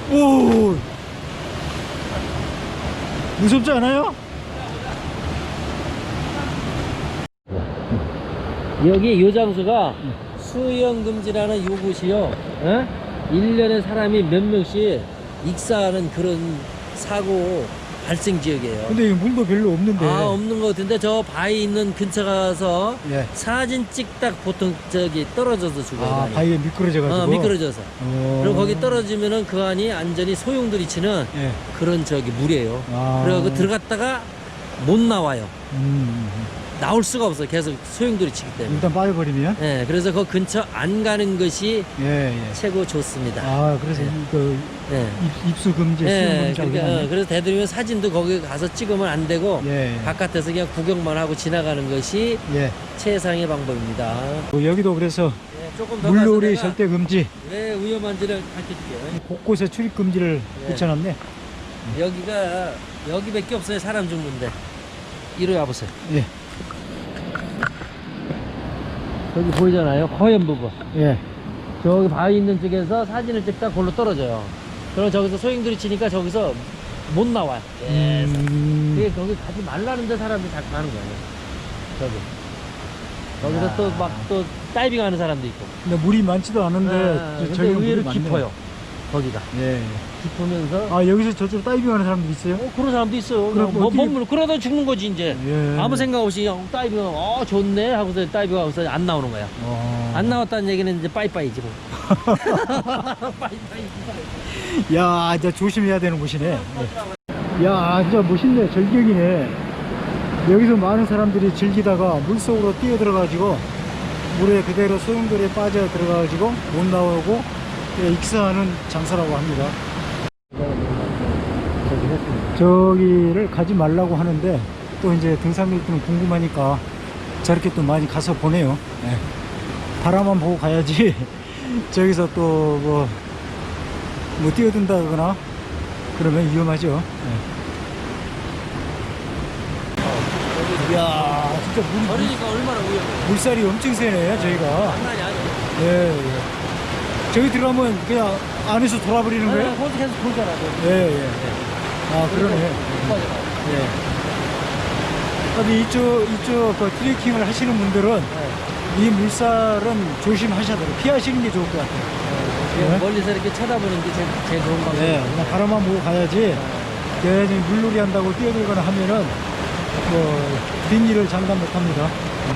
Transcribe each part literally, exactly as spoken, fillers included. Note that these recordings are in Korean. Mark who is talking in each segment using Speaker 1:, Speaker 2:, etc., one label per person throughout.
Speaker 1: 오, 무섭지 않아요?
Speaker 2: 여기 요 장소가 수영금지라는 요곳이요. 어? 일 년에 사람이 몇 명씩 익사하는 그런 사고 발생 지역이에요.
Speaker 1: 근데 이 물도 별로 없는데.
Speaker 2: 아, 없는 것 같은데 저 바위 있는 근처 가서
Speaker 1: 예.
Speaker 2: 사진 찍딱 보통 저기 떨어져서 죽어요.
Speaker 1: 아,
Speaker 2: 많이.
Speaker 1: 바위에 미끄러져가지고.
Speaker 2: 어, 미끄러져서.
Speaker 1: 어.
Speaker 2: 그리고 거기 떨어지면은 그 안이 완전히 소용돌이 치는
Speaker 1: 예.
Speaker 2: 그런 저기 물이에요.
Speaker 1: 아.
Speaker 2: 그래서 그 들어갔다가 못 나와요.
Speaker 1: 음.
Speaker 2: 나올 수가 없어요. 계속 소용돌이 치기 때문에.
Speaker 1: 일단 빠져버리면.
Speaker 2: 예, 그래서 그 근처 안 가는 것이
Speaker 1: 예, 예.
Speaker 2: 최고 좋습니다.
Speaker 1: 아, 그래서
Speaker 2: 예.
Speaker 1: 그
Speaker 2: 예.
Speaker 1: 입, 입수 금지, 수영
Speaker 2: 예,
Speaker 1: 금지.
Speaker 2: 그러니까, 어, 그래서 대들이면 사진도 거기 가서 찍으면 안 되고
Speaker 1: 예, 예.
Speaker 2: 바깥에서 그냥 구경만 하고 지나가는 것이
Speaker 1: 예.
Speaker 2: 최상의 방법입니다.
Speaker 1: 어, 여기도 그래서
Speaker 2: 예, 조금 더
Speaker 1: 물놀이
Speaker 2: 가서
Speaker 1: 절대 금지.
Speaker 2: 왜 위험한지를 밝혀줄게요.
Speaker 1: 곳곳에 출입 금지를
Speaker 2: 예.
Speaker 1: 붙여놨네.
Speaker 2: 여기가 여기밖에 없어요. 사람 죽는데. 이리 와보세요.
Speaker 1: 예.
Speaker 2: 여기 보이잖아요. 허연 부분.
Speaker 1: 예.
Speaker 2: 저기 바위 있는 쪽에서 사진을 찍다 골로 떨어져요. 그럼 저기서 소용돌이 치니까 저기서 못 나와요. 예.
Speaker 1: 음.
Speaker 2: 그게 거기 가지 말라는데 사람들이 자꾸 가는 거예요. 저기. 거기서 또 막 또 다이빙 하는 사람도 있고.
Speaker 1: 근데 물이 많지도 않은데
Speaker 2: 아,
Speaker 1: 저-
Speaker 2: 근데
Speaker 1: 저기 물이
Speaker 2: 의외로
Speaker 1: 많네.
Speaker 2: 깊어요. 거기가.
Speaker 1: 예.
Speaker 2: 깊으면서.
Speaker 1: 아, 여기서 저쪽으로 다이빙하는 사람도 있어요?
Speaker 2: 어, 그런 사람도 있어요.
Speaker 1: 그럼
Speaker 2: 뭐,
Speaker 1: 어떻게-
Speaker 2: 몸을 그러다 죽는 거지 이제.
Speaker 1: 예.
Speaker 2: 아무 생각 없이 그냥 다이빙 어 좋네 하고서 다이빙 하고서 안 나오는 거야.
Speaker 1: 어.
Speaker 2: 안 나왔다는 얘기는 이제 빠이빠이지 뭐. 빠이빠이.
Speaker 1: 야, 진짜 조심해야 되는 곳이네. 예. 야, 진짜 멋있네. 절경이네. 여기서 많은 사람들이 즐기다가 물속으로 뛰어 들어가지고 물에 그대로 소용돌이에 빠져 들어가가지고 못 나오고 예, 익사하는 장사라고 합니다. 저기를 가지 말라고 하는데 또 이제 등산객들은 궁금하니까 저렇게 또 많이 가서 보네요. 예. 바라만 보고 가야지 저기서 또 뭐 뭐 뛰어든다거나 그러면 위험하죠. 예. 이야, 진짜 물,
Speaker 2: 버리니까 얼마나 위험해.
Speaker 1: 물살이 엄청 세네 저희가.
Speaker 2: 장난이 아니야.
Speaker 1: 예, 예. 저기 들어가면 그냥 안에서 돌아버리는 거예요?
Speaker 2: 네, 거기 계속 돌잖아. 거기.
Speaker 1: 예, 예. 아, 그러네.
Speaker 2: 못 빠져나와.
Speaker 1: 예. 근데 이쪽, 이쪽 그 트레킹을 하시는 분들은
Speaker 2: 네.
Speaker 1: 이 물살은 조심하셔야 돼요. 피하시는 게 좋을 것 같아요.
Speaker 2: 그냥
Speaker 1: 네.
Speaker 2: 멀리서 이렇게 쳐다보는 게 제일, 제일 좋은 방법.
Speaker 1: 네, 그냥 바람만 보고 가야지. 괜히 물놀이 한다고 뛰어들거나 하면은 뭐 뒷일을 장담 못 합니다.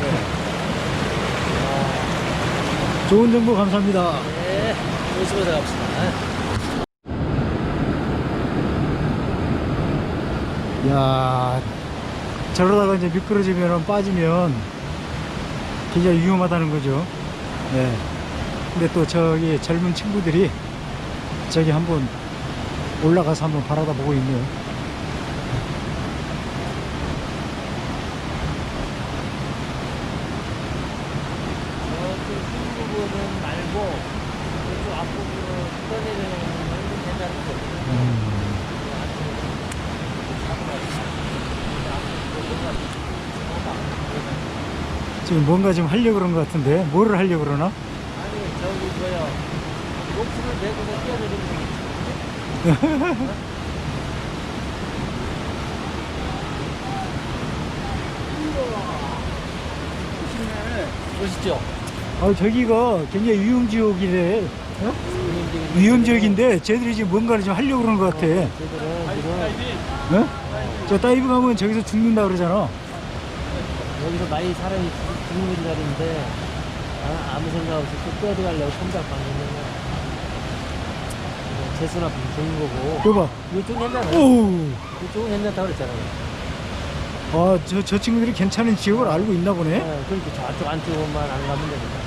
Speaker 1: 좋은 정보 감사합니다.
Speaker 2: 네, 조심해서 갑시다.
Speaker 1: 야, 저러다가 이제 미끄러지면 빠지면 굉장히 위험하다는 거죠. 네. 근데 또 저기 젊은 친구들이 저기 한번 올라가서 한번 바라다 보고 있네요.
Speaker 2: 저쪽 흰 부분은 말고 이쪽 앞부분으로 떠내려는 건 괜찮은 거예요.
Speaker 1: 음. 지금 뭔가 좀 하려고 그런 것 같은데 뭐를 하려고 그러나?
Speaker 2: 아니 저기 뭐야 록스를 메고서 뛰어내리는 거 있지. 멋있죠?
Speaker 1: 아, 저기가 굉장히 위험지역이래. 어? 위험지역인데 쟤들이 지금 뭔가를 좀 하려고 그러는 것 같아.
Speaker 2: 쟤들은 지금
Speaker 1: 어? 저 다이빙 하면 저기서 죽는다 그러잖아.
Speaker 2: 여기서 많이 사람이 죽는 자리인데 아, 아무 생각 없이 또 뛰어들어가려고 손잡 받는 거야. 재수나 죽는 거고.
Speaker 1: 이거 봐.
Speaker 2: 이쪽은 괜찮아요.
Speaker 1: 오우.
Speaker 2: 이쪽은 괜찮다고 그랬잖아요.
Speaker 1: 아, 저, 저 친구들이 괜찮은 지역을 알고 있나 보네.
Speaker 2: 네, 그렇게 저쪽 안쪽만 안 가면 됩니다.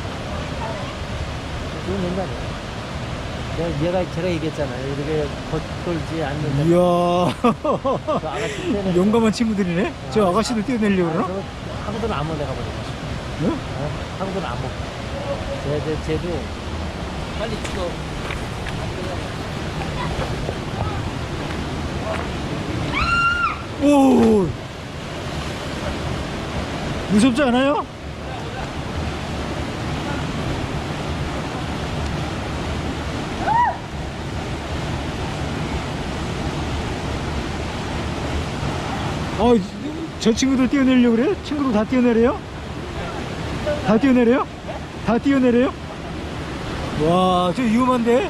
Speaker 2: 이쪽은 괜찮아요. 내가, 얘가 제가 얘기했잖아요. 이렇게 겉돌지 않는.
Speaker 1: 이야.
Speaker 2: 저 아가씨 뛰어내려.
Speaker 1: 용감한 친구들이네. 저 아가씨도 뛰어내려고 그러나?
Speaker 2: 저 하고도는 안 먹어, 내가 보니까.
Speaker 1: 응?
Speaker 2: 어? 하고도는 안 먹어. 쟤, 쟤, 쟤도 빨리 죽어.
Speaker 1: 오. 무섭지 않아요? 어, 저 친구들 뛰어내리려고 그래요? 친구들 다 뛰어내려요? 다 뛰어내려요? 다 뛰어내려요? 와, 저 위험한데?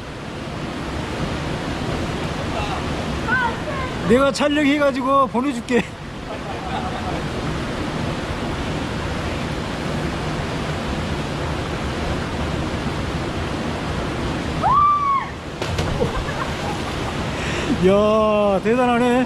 Speaker 1: 내가 촬영해가지고 보내줄게. 이야, 대단하네.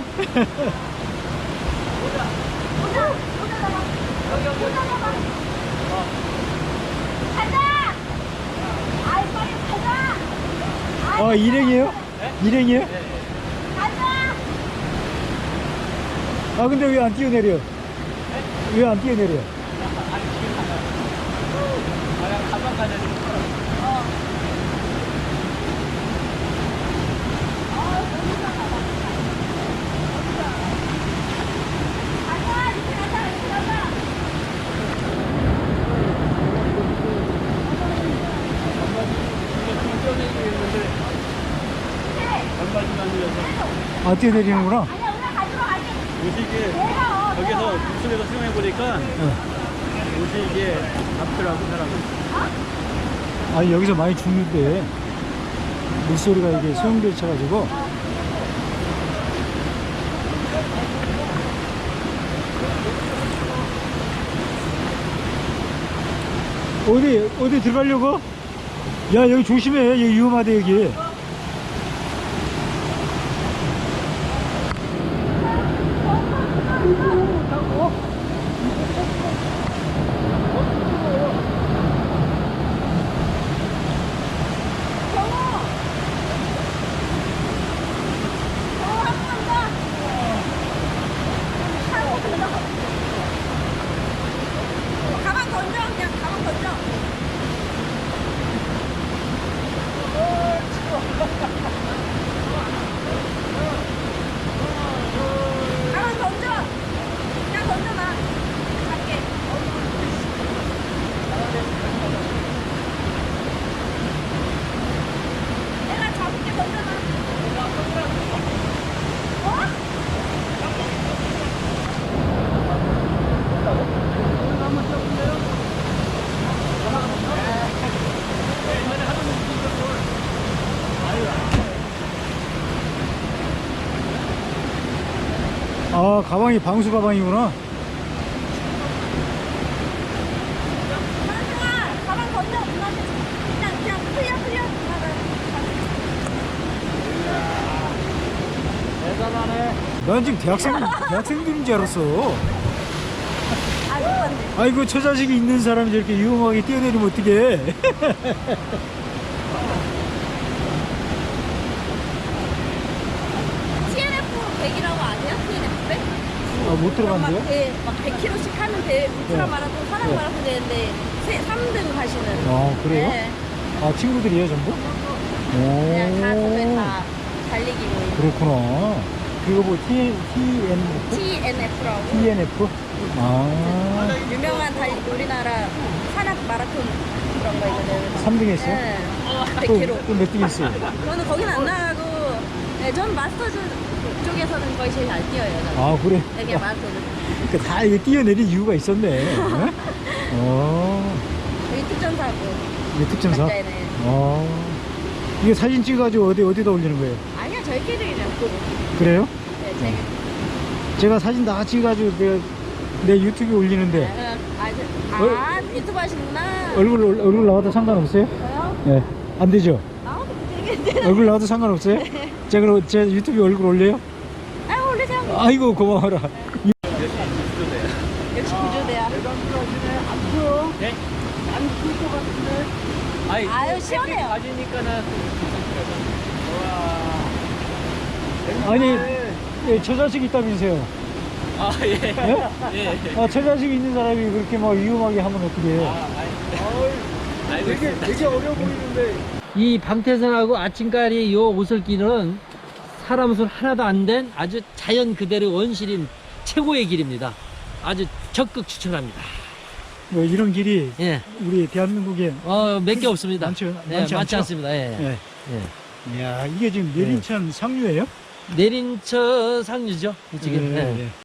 Speaker 3: 가자! 아이 빨리 가자!
Speaker 1: 아, 일행이에요? 일행이에요?
Speaker 3: 가자!
Speaker 1: 아, 근데 왜 안 뛰어내려? 왜 안 뛰어내려?
Speaker 3: 가자! 이렇게 가자! 이렇게 가자!
Speaker 1: 아, 뛰어내리는구나.
Speaker 3: 아니야 오늘 가지러 가지!
Speaker 4: 옷이 이게
Speaker 3: 내가 어
Speaker 4: 여기서 물속에서 수영해 보니까 옷이 이게 앞더라고 사람은.
Speaker 1: 아, 여기서 많이 죽는데. 물소리가 이게 소용돌이 쳐가지고. 어디, 어디 들어가려고? 야, 여기 조심해. 여기 위험하대, 여기.
Speaker 3: 가방 던져 그냥 가방 던져 가방 던져 그냥 던져놔 작게 내가 잡을게 던져놔 어?
Speaker 1: 아, 가방이 방수 가방이구나.
Speaker 3: 가방아 가방 던져 누나한테 그냥 그냥 흘려 흘려 누나가
Speaker 4: 대단하네.
Speaker 1: 난 지금 대학생, 대학생들인 줄 알았어.
Speaker 3: 아 누나한테
Speaker 1: 아이고, 저 자식이 있는 사람이 저렇게 위험하게 뛰어내리면 어떡해.
Speaker 3: 티엔에프 백이라고 아세요? 티엔에프 백?
Speaker 1: 아, 못 들어간대요?
Speaker 3: 막, 대, 막 백 킬로미터씩 하는 대 울트라
Speaker 1: 네.
Speaker 3: 마라톤, 산악
Speaker 1: 네.
Speaker 3: 마라톤 되는데 세, 삼 등 가시는.
Speaker 1: 아, 그래요?
Speaker 3: 네.
Speaker 1: 아, 친구들이에요, 전부?
Speaker 3: 그냥 다 거기
Speaker 1: 오,
Speaker 3: 다 달리기 모임.
Speaker 1: 그렇구나. 그거 뭐, T, TNF?
Speaker 3: 티엔에프라고
Speaker 1: 티엔에프? 아,
Speaker 3: 유명한 달리 우리나라 산악 마라톤 그런 거 있거든요.
Speaker 1: 삼 등 했어요?
Speaker 3: 네. 백
Speaker 1: 또,
Speaker 3: 킬로미터.
Speaker 1: 또 몇 등 했어요?
Speaker 3: 저는 거기는 안 나가고, 네, 전 마스터즈 쪽에서는 거의 제일 잘 뛰어요. 저는.
Speaker 1: 아, 그래?
Speaker 3: 네, 그냥 마스터즈.
Speaker 1: 그러니까 다 이거 뛰어내린 이유가 있었네. 어? 어,
Speaker 3: 여기 특전사고.
Speaker 1: 이게 특전사?
Speaker 3: 네네.
Speaker 1: 어, 이게 사진 찍어가지고 어디, 어디다 올리는 거예요?
Speaker 3: 아니야, 저희끼리 그냥 보고.
Speaker 1: 그래요?
Speaker 3: 네, 제가.
Speaker 1: 제가 사진 다 찍어가지고 내가 내 유튜브에 올리는데
Speaker 3: 아, 저, 아, 유튜브 하시는구나.
Speaker 1: 얼굴, 얼굴 나와도 상관없어요?
Speaker 3: 저요?
Speaker 1: 예. 안 되죠?
Speaker 3: 나와도 되겠는데.
Speaker 1: 얼굴 나와도 상관없어요? 제가 그럼 제 유튜브에 얼굴 올려요?
Speaker 3: 아, 올리세요.
Speaker 1: 아이고, 고마워라.
Speaker 3: 역시 구조대야.
Speaker 4: 네? 안풀것 같은데. 아이,
Speaker 3: 아유, 시원해요.
Speaker 4: 가지니까는.
Speaker 1: 아니, 예, 저 자식 있다면서요?
Speaker 4: 아, 예.
Speaker 1: 예?
Speaker 4: 예.
Speaker 1: 아, 저 자식 있는 사람이 그렇게 막 위험하게 하면 어떻게 해요?
Speaker 4: 알고 있습니다.
Speaker 1: 되게 어려워 보이는데.
Speaker 2: 이 방태선하고 아침까리 요 오솔길은 사람 손 하나도 안 된 아주 자연 그대로 원실인 최고의 길입니다. 아주 적극 추천합니다.
Speaker 1: 뭐 이런 길이
Speaker 2: 예.
Speaker 1: 우리 대한민국에
Speaker 2: 어, 몇 개 없습니다.
Speaker 1: 많죠?
Speaker 2: 예,
Speaker 1: 많지
Speaker 2: 많지
Speaker 1: 않죠?
Speaker 2: 않습니다. 예.
Speaker 1: 예.
Speaker 2: 예.
Speaker 1: 이야, 이게 지금 내린천 상류예요?
Speaker 2: 내린처 상류죠. 이쪽에.
Speaker 1: 예,
Speaker 2: 예.
Speaker 1: 예.